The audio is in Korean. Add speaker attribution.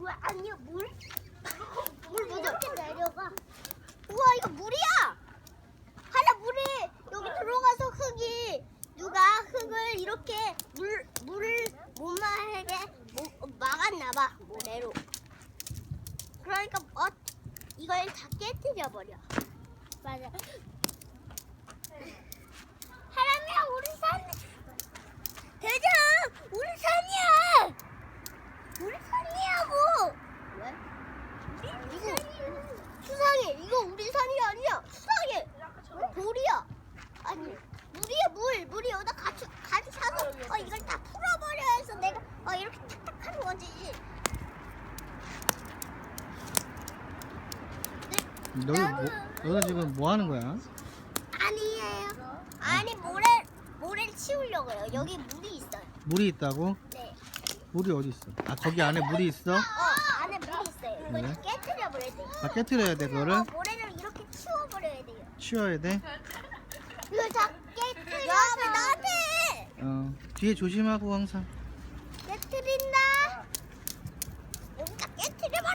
Speaker 1: 왜 아니야 물? 물 이렇게 내려가. 우와 이거 물이야. 하나 물이 여기 들어가서 누가 흙을 이렇게 물을 못 마르게 막았나봐 모래로. 그러니까 이걸 다 깨뜨려 버려. 맞아. 하람이야 우리 산. 대장 우리 산이야. 우리 산이야고. 왜? 우리 산이야. 수상해. 이거 우리 산이 아니야. 수상해. 돌이야. 아니 물이 여기다 같이 차서 이걸 다 풀어버려 해서 내가 이렇게 탁탁 하는 거지.
Speaker 2: 너는 지금 뭐 하는 거야?
Speaker 1: 아니에요. 아니 모래를 치우려고요. 여기 물이 있어요.
Speaker 2: 물이 있다고?
Speaker 1: 네.
Speaker 2: 물이 어디 있어? 아 거기 안에 물이 있어?
Speaker 1: 안에 물이 있어요. 이걸
Speaker 2: 네.
Speaker 1: 다 깨뜨려 버려야 돼요.
Speaker 2: 아 깨트려야 돼 그거를?
Speaker 1: 모래를 이렇게 치워버려야 돼요.
Speaker 2: 치워야 돼?
Speaker 1: 이걸 다 깨뜨려. 야, 왜 나한테?
Speaker 2: 뒤에 조심하고 항상.